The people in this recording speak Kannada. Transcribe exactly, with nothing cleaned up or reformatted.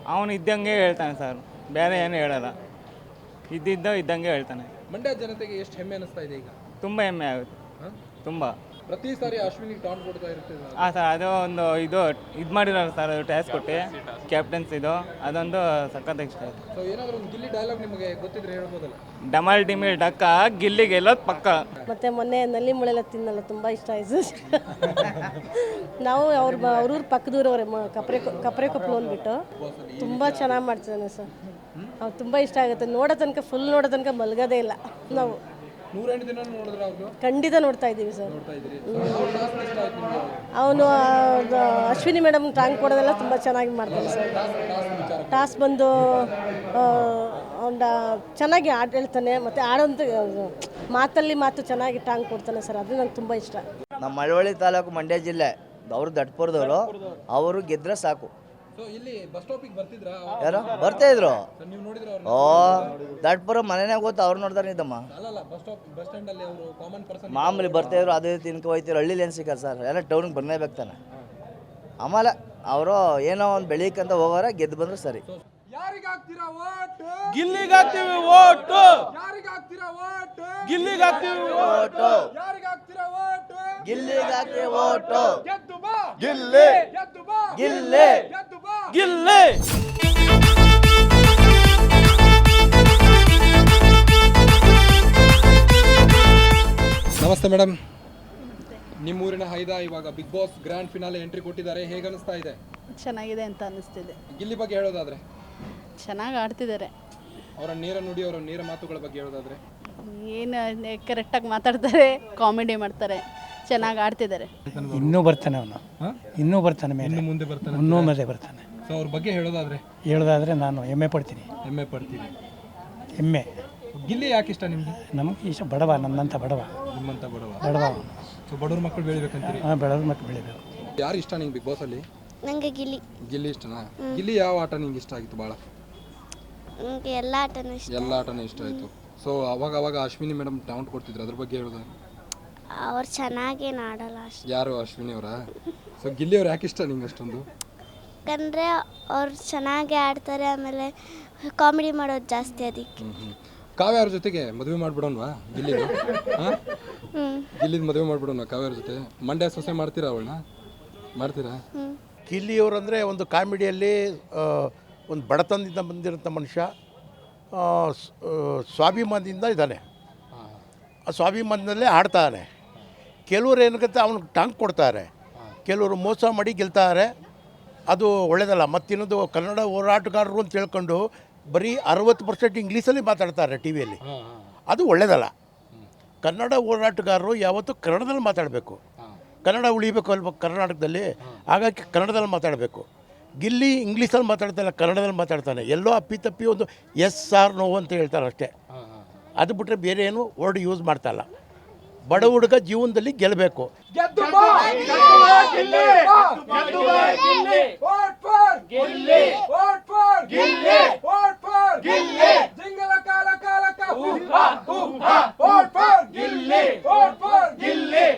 ಅವನು ಇದ್ದಂಗೆ ಹೇಳ್ತಾನೆ ಸರ್, ಬೇರೆ ಏನು ಹೇಳಲ್ಲ, ಇದ್ದಿದ್ದ ಇದ್ದಂಗೆ ಹೇಳ್ತಾನೆ. ಮಂಡ್ಯ ಜನತೆಗೆ ಎಷ್ಟು ಹೆಮ್ಮೆ ಅನಿಸ್ತಾ ಇದೆ ಈಗ? ತುಂಬ ಹೆಮ್ಮೆ ಆಗುತ್ತೆ, ತುಂಬ. ಪ್ರತಿ ಸಾರಿ ಅಶ್ವಿನಿಗೆ ಟಾನ್ ಕೊಡ್ತಾ ಇರ್ತೀವಿ. ಹಾಂ ಸರ್, ಅದು ಒಂದು ಇದು ಇದು ಮಾಡಿರೋರು ಸರ್, ಅದು ಟ್ಯಾಸ್ ಕೊಟ್ಟು ಕ್ಯಾಪ್ಟನ್ಸ್ ಇದು, ಅದೊಂದು ಸಖತ್ ಇಷ್ಟ ಆಯಿತು. ಸೊ ಏನಾದರೂ ಒಂದು ಗಿಲ್ಲಿ ಡೈಲಾಗ್ ನಿಮಗೆ ಗೊತ್ತಿದ್ರೆ ಹೇಳ್ಬೋದಲ್ಲ? ಡಮಲ್ ಡಿಮಿಲ್ ಡಕ್ಕ ಗಿಲ್ಲಿ ಗೆಲ್ಲೋದು ಪಕ್ಕ. ಮತ್ತು ಮೊನ್ನೆ ನಲ್ಲಿ ಮುಳೆಲ್ಲ ತಿನ್ನಲ್ಲ, ತುಂಬ ಇಷ್ಟ ಆಯಿತು. ನಾವು ಅವ್ರ ಅವ್ರೂರು ಪಕ್ಕದೂರವ್ರೆ, ಕಪ್ರೆ ಕಪ್ರೆ ಕೊಪ್ಪಳು ಅಂದ್ಬಿಟ್ಟು ತುಂಬ ಚೆನ್ನಾಗಿ ಮಾಡ್ತಿದ್ದಾನೆ ಸರ್. ಅವ್ರು ತುಂಬ ಇಷ್ಟ ಆಗುತ್ತೆ, ನೋಡೋ ತನಕ ಫುಲ್ ನೋಡೋ ತನಕ ಮಲಗೋದೇ ಇಲ್ಲ ನಾವು. ನೂರೆಂಟು ದಿನ ನೋಡಿದ್ರೆ ಅವ್ರು ಖಂಡಿತ ನೋಡ್ತಾ ಇದ್ದೀವಿ ಸರ್. ನೋಡ್ತಾ ಇದ್ದೀರಿ. ಇಷ್ಟ ಆಯ್ತು ನಿಮಗೆ? ಅವನು ಅಶ್ವಿನಿ ಮೇಡಮ್ ಟಾಂಗ್ ಕೊಡೋದೆಲ್ಲ ತುಂಬ ಚೆನ್ನಾಗಿ ಮಾಡ್ತಾನೆ ಸರ್. ಟಾಸ್ ಬಂದು ಅವನ ಚೆನ್ನಾಗಿ ಆಟ ಹೇಳ್ತಾನೆ, ಮತ್ತು ಆಡೋಂಥ ಮಾತಲ್ಲಿ ಮಾತು ಚೆನ್ನಾಗಿ ಟಾಂಗ್ ಕೊಡ್ತಾನೆ ಸರ್, ಅದು ನಂಗೆ ತುಂಬ ಇಷ್ಟ. ನಮ್ಮ ಮಳವಳ್ಳಿ ತಾಲೂಕು ಮಂಡ್ಯ ಜಿಲ್ಲೆ ಅವರು ದಟ್ಪುರದವರು, ಅವರು ಗೆದ್ರೆ ಸಾಕು. ಸೊ ಇಲ್ಲಿ ಬಸ್ ಸ್ಟಾಪಿಗೆ ಬರ್ತಿದ್ರಾ? ಯಾರು ಬರ್ತಾ ಇದ್ರು? ನೀವು ನೋಡಿದ್ರೆ ಅವ್ರು? ಓ ದಟ್ಪುರ ಮನೆಯಾಗ ಗೊತ್ತು, ಅವ್ರು ನೋಡ್ತಾರೆ ಇದ್ದಮ್ಮ. ಅಲ್ಲಲ್ಲ, ಬಸ್ ಸ್ಟಾಪ್ ಬಸ್ ಸ್ಟ್ಯಾಂಡ್ ಅಲ್ಲಿ ಅವರು ಕಾಮನ್ ಪರ್ಸನ್ ಮಾಮೂಲಿ ಬರ್ತಾ ಇದ್ರು, ಅದೇ ತಿನ್ಕೊ ಹೋಯ್ತಿರು. ಹಳ್ಳಿಲಿ ಏನು ಸಿಕ್ಕ ಸರ್, ಎಲ್ಲ ಟೌನಿಗೆ ಬರ್ನೇಬೇಕು ತಾನೆ. ಆಮೇಲೆ ಅವರು ಏನೋ ಒಂದು ಬೆಳೀಕಂತ ಹೋಗೋರ, ಗೆದ್ದು ಬಂದ್ರೆ ಸರಿ. ಯಾರಿಗಾಗ್ತೀರಾ ಓಟು? ಗಿಲ್ಲಿಗಾಗ್ತೀವಿ ಓಟು, ಯಾರಿಗಾಗ್ತೀರಾ ಓಟು? ಗಿಲ್ಲಿಗಾಗ್ತೀವಿ ಓಟು, ಯಾರಿಗಾಗ್ತೀರಾ ಓಟು? ಗಿಲ್ಲಿಗಾಗ್ತೀವಿ ಓಟು. ಗೆದ್ದು ಬಾ, ಗಿಲ್ಲಿ ಗೆದ್ದು ಬಾ, ಗಿಲ್ಲಿ ಗೆದ್ದು ಬಾ. ಗಿಲ್ಲಿ. ನಮಸ್ತೆ ಮೇಡಮ್, ನಿಮ್ಮೂರಿನ ಹೈದ ಇವಾಗ Bigg Boss grand finale entry ಕೊಟ್ಟಿದ್ದಾರೆ, ಹೇಗೆ ಅನಿಸ್ತಾ ಇದೆ? ಚೆನ್ನಾಗಿದೆ ಅಂತ ಅನಿಸ್ತಿದೆ. ಗಿಲ್ಲಿ ಬಗ್ಗೆ ಹೇಳೋದಾದ್ರೆ? ಚೆನ್ನಾಗಿ ಆಡ್ತಿದ್ದಾರೆ. ಅವರ ನೇರ ನುಡಿ, ಅವರ ನೇರ ಮಾತುಗಳ ಬಗ್ಗೆ ಹೇಳೋದಾದ್ರೆ? ಏನು ಕರೆಕ್ಟಾಗಿ ಮಾತಾಡ್ತಾರೆ, ಕಾಮಿಡಿ ಮಾಡ್ತಾರೆ, ಚೆನ್ನಾಗಿ ಆಡ್ತಿದ್ದಾರೆ. ಇನ್ನೂ ಬರ್ತಾನೆ ಅವನು, ಇನ್ನೂ ಬರ್ತಾನೆ ಮೇಲೆ, ಇನ್ನು ಮುಂದೆ ಬರ್ತಾನೆ, ಇನ್ನೂ ಮೇಲೆ ಬರ್ತಾನೆ. ಸೊ ಅವ್ರ ಬಗ್ಗೆ ಹೇಳೋದಾದ್ರೆ? ಹೇಳೋದಾದರೆ ನಾನು ಹೆಮ್ಮೆ ಪಡ್ತೀನಿ, ಹೆಮ್ಮೆ ಪಡ್ತೀನಿ. ಹೆಮ್ಮೆ. ಗಿಲ್ಲಿ ಯಾಕೆ ಇಷ್ಟ ನಿಮಗೆ? ನಮಗೆ ಇಷ್ಟ, ಬಡವ, ನನ್ನಂಥ ಬಡವ, ನಿಮ್ಮಂತ ಬಡವ ಬಡವ ಅವನು. ಸೊ ಬಡವ್ರ ಮಕ್ಕಳು ಬೆಳಿಬೇಕಂತೀರಿ? ಹಾಂ, ಬಡವ್ರ ಮಕ್ಕಳು ಬೆಳಿಬೇಕು. ಯಾರು ಇಷ್ಟ ನಿಂಗೆ ಬಿಗ್ ಬಾಸ್ ಅಲ್ಲಿ? ನನಗೆ ಗಿಲ್ಲಿ. ಗಿಲ್ಲಿ ಇಷ್ಟನಾ? ಗಿಲ್ಲಿ ಯಾವ ಆಟ ನಿಂಗೆ ಇಷ್ಟ ಆಗಿತ್ತು ಭಾಳ? ನನಗೆ ಎಲ್ಲ ಆಟನೂ ಇಷ್ಟ. ಎಲ್ಲ ಆಟನೂ ಇಷ್ಟ ಆಯಿತು. ಸೊ ಅವಾಗ ಅವಾಗ ಅಶ್ವಿನಿ ಮೇಡಮ್ ಟೌಂಟ್ ಕೊಡ್ತಿದ್ರು, ಅದ್ರ ಬಗ್ಗೆ ಹೇಳೋದು? ಅವ್ರು ಚೆನ್ನಾಗೇನು ಆಡಲ್ಲ ಅಷ್ಟು. ಯಾರು ಅಶ್ವಿನಿ ಅವರ? ಸೊ ಗಿಲ್ಲಿ ಅವ್ರು ಯಾಕೆ ಇಷ್ಟ ನಿಂಗೆ ಅಷ್ಟೊಂದು? ಯಾಕಂದರೆ ಅವ್ರು ಚೆನ್ನಾಗಿ ಆಡ್ತಾರೆ, ಆಮೇಲೆ ಕಾಮಿಡಿ ಮಾಡೋದು ಜಾಸ್ತಿ ಅದಕ್ಕೆ. ಹ್ಞೂ ಹ್ಞೂ ಕಾವ್ಯ ಅವ್ರ ಜೊತೆಗೆ ಮದುವೆ ಮಾಡ್ಬಿಡೋಣವಾ ಗಿಲ್ಲಿದು? ಹಾಂ, ಗಿಲ್ಲಿದು ಮದುವೆ ಮಾಡ್ಬಿಡೋಣ ಕಾವ್ಯ ಅವ್ರ ಜೊತೆ. ಮಂಡ್ಯ ಸೊಸೆ ಮಾಡ್ತೀರಾ ಅವಳನ್ನ? ಮಾಡ್ತೀರಾ? ಗಿಲ್ಲಿಯವರಂದರೆ ಒಂದು ಕಾಮಿಡಿಯಲ್ಲಿ ಒಂದು ಬಡತನದಿಂದ ಬಂದಿರೋಂಥ ಮನುಷ್ಯ, ಸ್ವಾಭಿಮಾನದಿಂದ ಇದ್ದಾನೆ, ಆ ಸ್ವಾಭಿಮಾನದಲ್ಲೇ ಆಡ್ತಾನೆ. ಕೆಲವರು ಏನಕ್ಕೆ ಅವನಿಗೆ ಟಾಂಗ್ ಕೊಡ್ತಾರೆ, ಕೆಲವರು ಮೋಸ ಮಾಡಿ ಗೆಲ್ತಾರೆ, ಅದು ಒಳ್ಳೆಯದಲ್ಲ. ಮತ್ತಿನ್ನೊಂದು ಕನ್ನಡ ಹೋರಾಟಗಾರರು ಅಂತ ಹೇಳ್ಕೊಂಡು ಬರೀ ಅರವತ್ತು ಪರ್ಸೆಂಟ್ ಇಂಗ್ಲೀಷಲ್ಲಿ ಮಾತಾಡ್ತಾರೆ ಟಿ ವಿಯಲ್ಲಿ, ಅದು ಒಳ್ಳೆಯದಲ್ಲ. ಕನ್ನಡ ಹೋರಾಟಗಾರರು ಯಾವತ್ತೂ ಕನ್ನಡದಲ್ಲಿ ಮಾತಾಡಬೇಕು, ಕನ್ನಡ ಉಳಿಬೇಕು ಅಲ್ವ ಕರ್ನಾಟಕದಲ್ಲಿ, ಹಾಗಾಗಿ ಕನ್ನಡದಲ್ಲಿ ಮಾತಾಡಬೇಕು. ಗಿಲ್ಲಿ ಇಂಗ್ಲೀಷಲ್ಲಿ ಮಾತಾಡ್ತಾನೆ, ಕನ್ನಡದಲ್ಲಿ ಮಾತಾಡ್ತಾನೆ, ಎಲ್ಲೋ ಅಪ್ಪಿ ತಪ್ಪಿ ಒಂದು ಎಸ್ ಆರ್ ನೋ ಅಂತ ಹೇಳ್ತಾರೆ ಅಷ್ಟೇ. ಅದು ಬಿಟ್ಟರೆ ಬೇರೆ ಏನು ವರ್ಡ್ ಯೂಸ್ ಮಾಡ್ತಾಯಿಲ್ಲ. ಬಡ ಹುಡುಗ ಜೀವನದಲ್ಲಿ ಗೆಲ್ಲಬೇಕು.